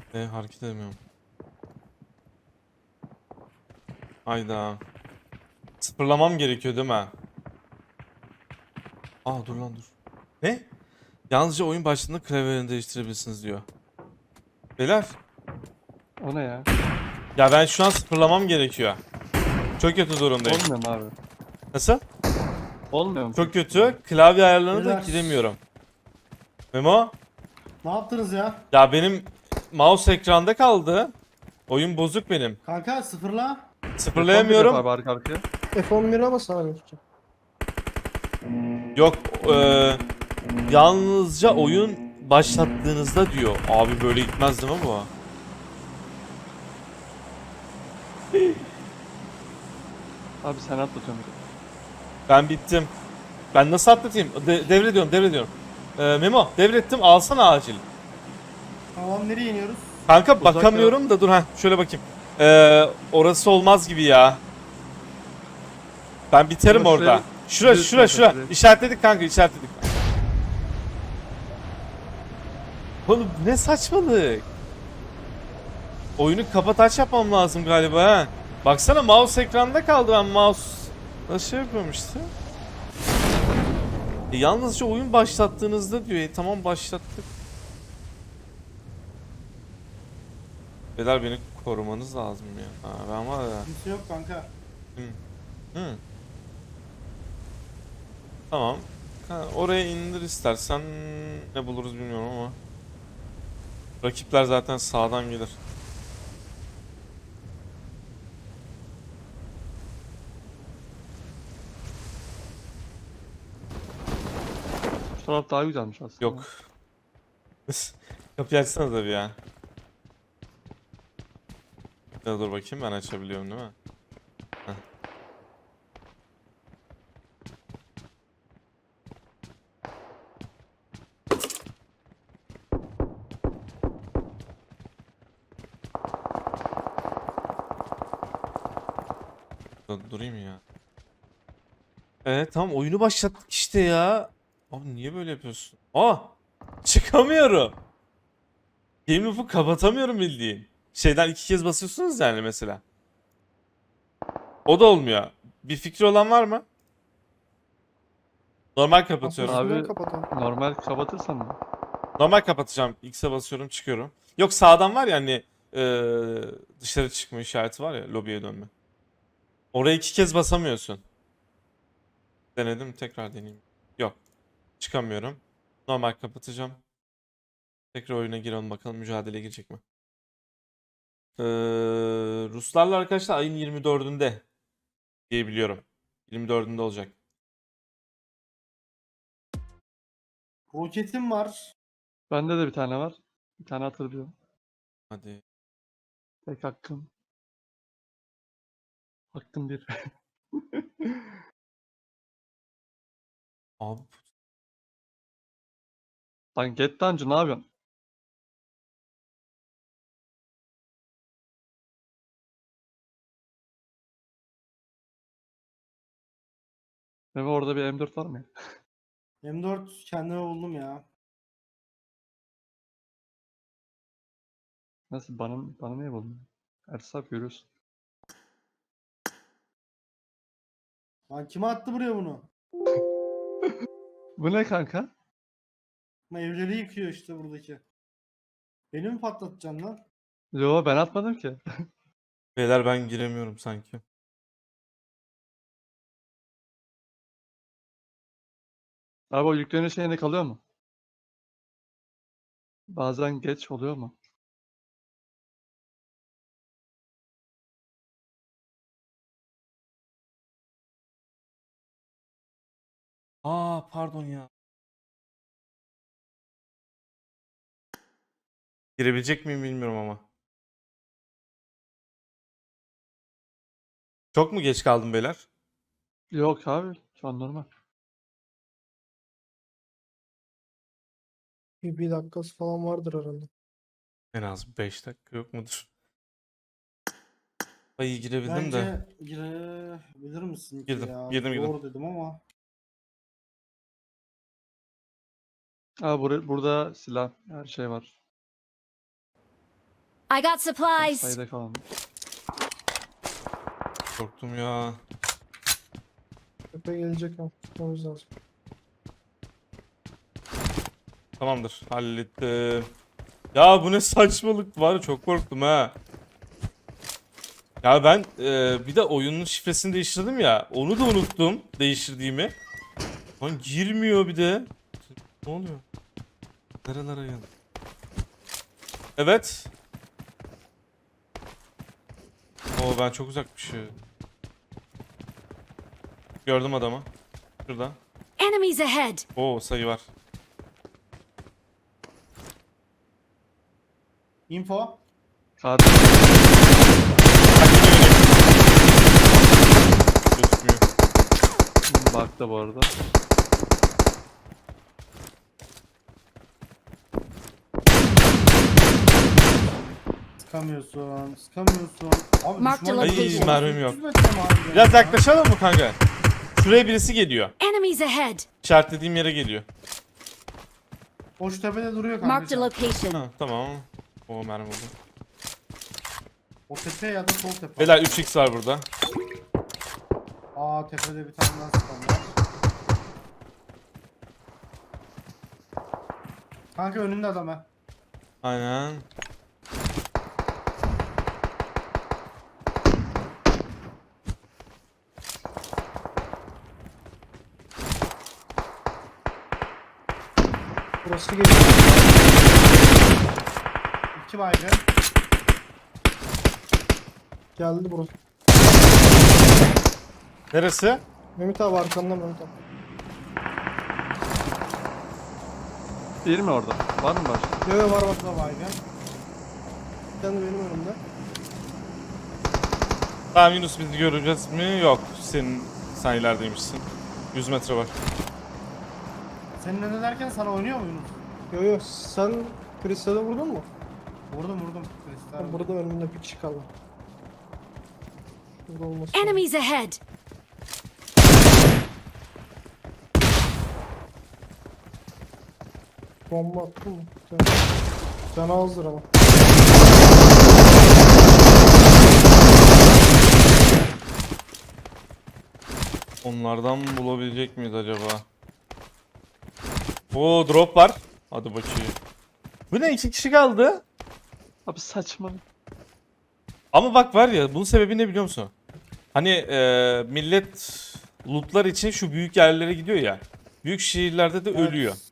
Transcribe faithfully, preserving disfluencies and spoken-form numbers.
E, hareket edemiyorum. Hayda. Sıfırlamam gerekiyor değil mi? Aa dur lan dur. Ne? Yalnızca oyun başladığında klavyelerini değiştirebilirsiniz diyor. Beyler. O ne ya? Ya ben şu an sıfırlamam gerekiyor. Çok kötü durumdayım. Olmuyor mu abi? Nasıl? Olmuyor mu Çok peki? kötü. Klavye ayarlarına da Beyler. giremiyorum. Memo? Ne yaptınız ya? Ya benim mouse ekranda kaldı. Oyun bozuk benim. Kanka sıfırla. F on bir yap Sıfırlayamıyorum. abi arka arkaya. F on bire bas abi. Yok. eee, yalnızca oyun başlattığınızda diyor. Abi böyle gitmez değil mi bu? Abi sen atlatıyorsun. Ben bittim. Ben nasıl atlatayım? De devrediyorum, devrediyorum. Ee, Memo, devrettim. Alsana acil. Tamam, nereye iniyoruz? Kanka Uzak bakamıyorum da dur ha şöyle bakayım. Ee, orası olmaz gibi ya. Ben biterim Ama şuraya orada. Şura düz şura kanka, şura. şuraya. İşaretledik kanka, işaretledik. Oğlum ne saçmalık. Oyunu kapat aç yapmam lazım galiba ha. Baksana mouse ekranda kaldı, ben mouse nasıl şey yapıyorum işte. E, yalnızca oyun başlattığınızda diyor. E, tamam başlattık. Beyler beni korumanız lazım ya. Ha, ben var ya. Kimse yok kanka. Hı. Tamam. Ha, oraya indir istersen, ne buluruz bilmiyorum ama. Rakipler zaten sağdan gelir. Şu taraf daha güzelmiş aslında. Yok. Kapıyı açsana da bir ya. Ya dur bakayım, ben açabiliyorum değil mi? Heh. Dur, durayım ya. Evet tamam, oyunu başlattık işte ya. Abi niye böyle yapıyorsun? Aa! Çıkamıyorum. Game loop'u kapatamıyorum bildiğin. Şeyden iki kez basıyorsunuz yani mesela. O da olmuyor. Bir fikri olan var mı? Normal kapatıyorum. Abi- Asansörden kapatalım. Normal kapatırsan mı? Normal kapatacağım. X'e basıyorum, çıkıyorum. Yok, sağdan var ya hani eee, dışarı çıkma işareti var ya, lobiye dönme. Oraya iki kez basamıyorsun. Denedim, tekrar deneyeyim. Yok. Çıkamıyorum. Normal kapatacağım. Tekrar oyuna girelim bakalım mücadeleye girecek mi? Eee, Ruslarla arkadaşlar ayın yirmi dördünde diye biliyorum. yirmi dördünde olacak. Roketim var. Bende de bir tane var. Bir tane hatırlıyorum. Hadi. Tek hakkım. Hakkım bir. Abi Lan Get Dungeon ne yapıyorsun? Memo orada bir M dört var mı ya? M dört kendime buldum ya. Nasıl bana, bana niye buldun? Ersaf görüyorsun. Lan kime attı buraya bunu? Bu ne kanka? Ama evleri yıkıyor işte buradaki. Beni mi patlatacaksın lan? Yo ben atmadım ki. beyler, ben giremiyorum sanki. Abi o yükleniyor şeyinde kalıyor mu? Bazen geç oluyor mu? Aa pardon ya. Girebilecek miyim bilmiyorum ama. Çok mu geç kaldım beyler? Yok abi. Şu an normal. Bir, bir dakikası falan vardır herhalde. En az beş dakika yok mudur? Ay girebildim de. Bence girebilir misin ki Girdim, ya? girdim, girdim. Zor dedim ama. Abi bur burada silah her şey var. I got supplies. Sayıda kalan. Korktum ya. Tepe gelecek ha. Tutmamız lazım. Tamamdır. Hallettim. Ya bu ne saçmalık var. Çok korktum ha. Ya ben e, bir de oyunun şifresini değiştirdim ya. Onu da unuttum değiştirdiğimi. Lan girmiyor bir de. Ne oluyor? Nerelere geldi? Evet. Oo ben çok uzakmışım. Gördüm adamı. Şurada. Enemies ahead. Oo sayı var. Info. Katil. Gözükmüyor. Bak da bu arada. Sıkamıyorsun. Sıkamıyorsun. Abi Mark the düşman- location. Ay mermim yok. yüz metre mi harbiden Biraz ya? yaklaşalım mı kanka? Şuraya birisi geliyor. Enemies ahead. İşaretlediğim yere geliyor. O şu tepede duruyor Marked a kanka. location. Ha, tamam. O mermi oldu. O tepe ya da sol tepe. Beyler üç x var burada. Aa tepede bir tane daha sıkan var. Kanka önünde adam ha. Aynen. Burası geliyor. İki baygın. Geldi burası. Neresi? Mehmet abi arkanda Mehmet abi. Değil mi orada? Var mı başka? Yo yo var var. Bu da baygın. Bir tane benim önümde. Tamam Yunus bizi göreceğiz mi? Yok. Senin sen ilerideymişsin. yüz metre var. Senin önüne derken sana oynuyor mu Yunus? Yo yo sen Kristal'e vurdun mu? Vurdum vurdum. Kristal. Ben burada önümde bir kişi kaldı. Şurada olması. Enemies ahead. Bomba attı mı? Tamam. Can azdır ama. Onlardan bulabilecek miyiz acaba? Oo drop var. Hadi bakayım. Bu ne? İki kişi kaldı. Abi saçma. Ama bak var ya bunun sebebi ne biliyor musun? Hani e, millet lootlar için şu büyük yerlere gidiyor ya. Büyük şehirlerde de Evet. ölüyor.